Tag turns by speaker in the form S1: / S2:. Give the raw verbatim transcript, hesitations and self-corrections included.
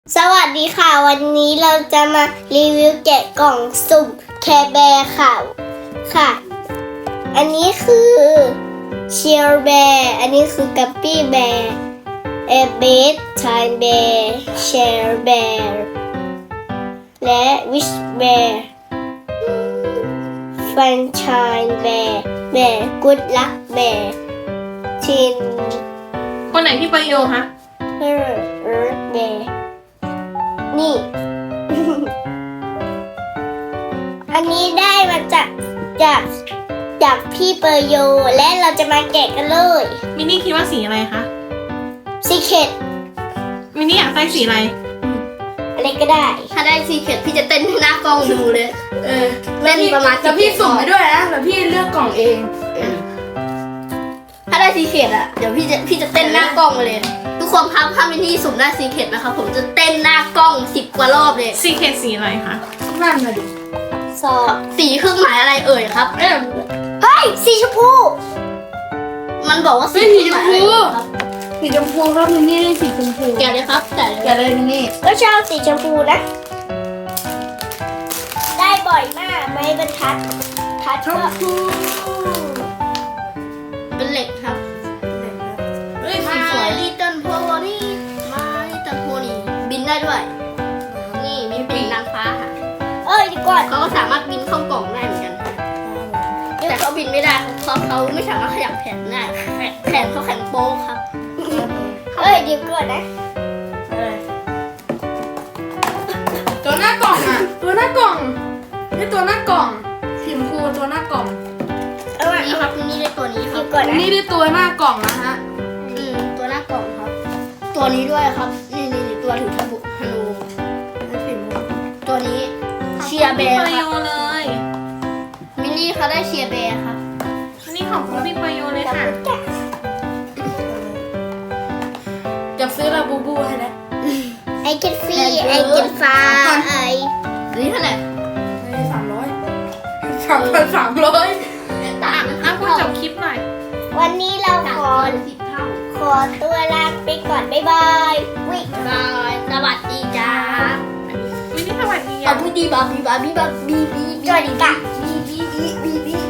S1: สวัสดีค่ะวันนี้เราจะมารีวิวแกะกล่องสุ่มแคร์แบร์ค่ะค่ะ อันนี้คือเชียร์แบร์อันนี้คือกัปปี้แบร์เอเบสชายแบร์แชร์แบร์และวิชแบร์ฟันชายแบร์แบร์กุดลักแบร์ชิน
S2: คนไหนพี่ประโยคะ
S1: เฮอร์เอิร์ธแบร์นี่ อันนี้ได้มาจากจากจากพี่เปอร์โยและเราจะมาแกะกันเลย
S2: มินนี่คิดว่าสีอะไรคะ
S1: ซีเคท
S2: มินนี่อยากได้สีอะไร
S1: อะไรก็ได้
S3: ถ้าได้ซีเคทพี่จะเต้นให้หน้ากล้องดูเลย
S4: เออ
S3: เล่นประมาณ
S4: แล้วพี่สุ่มไปด้วยนะแล้วพี่เลือกกล่องเอง
S3: ถ้าได้ซีเคทอ่ะเดี๋ยวพี่จะพี่จะเต้นหน้ากล้องเลย ทุกคนครับถ้ามินนี่สุ่มได้ซีเคทนะครับผมจะเต้นหน้ากล้องสิบกว่ารอบเลย
S2: สีเคทสีอะไรคะ
S4: นั่นน่ะดิ
S1: สอง
S3: สีเครื่องหมายอะไรเอ่ยครับ
S4: เอ้ย
S1: เฮ้ย สีชมพู
S3: มันบอกว่าสี
S4: เฮ้ย
S3: เค
S4: สี
S3: รื่อง
S4: ช
S3: ห
S4: ม
S3: มาย
S4: พู
S3: อะไรครับ
S4: สีชมพูครับมินนี่ได้สีชมพู
S3: แกะเลยครับแกะเลย
S4: แกะเลยมินนี่
S1: ก็ชอบสีชมพูนะ ได้บ่อยมากไม่บรรทัดทัด
S4: ช
S1: ก็
S4: มพู
S3: เป็นเหล็กครับ
S4: เฮ้ยสี
S3: มา
S4: สวย
S3: ลิตเติ้ลโพนี่มาลิตเติ้ลโพนี่บินได้ด้วย นี่มีปีกนางฟ้าค่ะ
S1: เอ้ยเดียวก่อน
S3: เขาก็สามารถบินเข้ากล่องได้เหมือนกันค่ะแต่เขาบินไม่ได้เพราะเขาไม่สามารถขยับแขนได้แขนแขนเขาแข็งโป๊กครับ
S1: เอ้ยเดี๋ยวก่อนนะ
S4: ตัวหน้ากล่องอ่ะตัวหน้ากล่องนี่ตัวหน้ากล่องสีชมพูตัวหน้ากล่อง
S1: เอาอ่ะ
S3: นี่ครับนี่ได้ตัวนี้ค
S1: เดี๋
S3: รั
S1: ย
S3: บ
S1: วก่อน
S4: มิน
S1: นะ
S4: นี่ได้ตัวหน้ากล่องนะฮะ
S3: อืมตัวหน้ากล่องครับ ตัวนี้ด้วยครับ นี่นี่นี่ตัวถือธนูธนูตัวนี้เชียร์แบ
S2: พี่
S3: ร์
S2: ประ
S3: ค
S2: โย
S3: รับ
S2: เลย
S3: มินนี่เขาได้เชียร์แบร์ครับ
S2: อันนี้ของคุณพี่ประโยเลยค่ะ
S4: จะซื้อลาบูบูให้แล้ว
S1: ไอเก็ตฟรีไอเก็ตฟ้าไอ
S3: อันนี้เท่าไหร่
S4: ให้สามร้อยสามพันสามร้อย
S3: ต่าง
S2: อ่ะพูดจบคลิปหน่อย
S1: วันนี้เรา
S3: ต่าง
S1: ขอ
S3: กันสิบเท่า
S1: ขอตัวลาไปก่อนบ๊ายบายวิ
S3: บายสวัสดีจ้า
S2: มินนี่สวัสดี
S3: เอา
S2: อ่ะ
S3: พูดดีบาบีบาบีบาบีบีบี
S1: สวัสดีค่ะ
S3: บีบีบีบีบี